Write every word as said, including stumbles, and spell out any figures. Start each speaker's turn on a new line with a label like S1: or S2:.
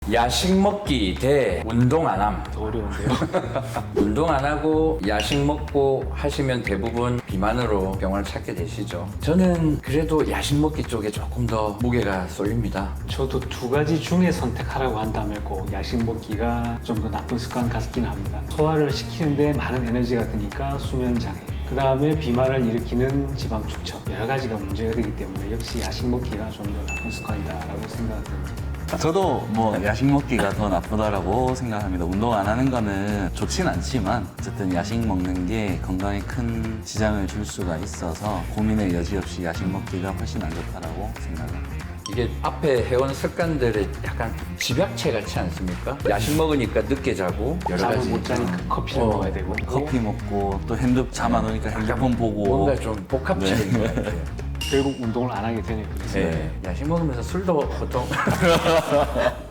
S1: 야식 먹기 대 운동 안 함.
S2: 어려운데요.
S1: 운동 안 하고 야식 먹고 하시면 대부분 비만으로 병원을 찾게 되시죠. 저는 그래도 야식 먹기 쪽에 조금 더 무게가 쏠립니다.
S2: 저도 두 가지 중에 선택하라고 한다면 꼭 야식 먹기가 좀 더 나쁜 습관 같긴 합니다. 소화를 시키는데 많은 에너지가 드니까 수면 장애, 그 다음에 비만을 일으키는 지방 축적, 여러 가지가 문제가 되기 때문에 역시 야식 먹기가 좀 더 나쁜 습관이다라고 생각합니다.
S3: 저도 뭐 야식 먹기가 더 나쁘다라고 생각합니다. 운동 안 하는 거는 좋진 않지만 어쨌든 야식 먹는 게 건강에 큰 지장을 줄 수가 있어서 고민의 여지 없이 야식 먹기가 훨씬 안 좋다라고 생각합니다.
S1: 이게 앞에 해온 습관들이 약간 집약체 같지 않습니까? 야식 먹으니까 늦게 자고 여러
S2: 잠을
S1: 가지
S2: 못 자니까 커피를
S1: 어,
S2: 먹어야 되고
S3: 커피 먹고 또 핸드 잠 안 오니까 핸드폰 보고
S1: 뭔가 좀 복합적인 것 같아요.
S2: 결국 운동을 안 하게 되네요. 그래서
S1: 네. 야식 먹으면서 술도 보통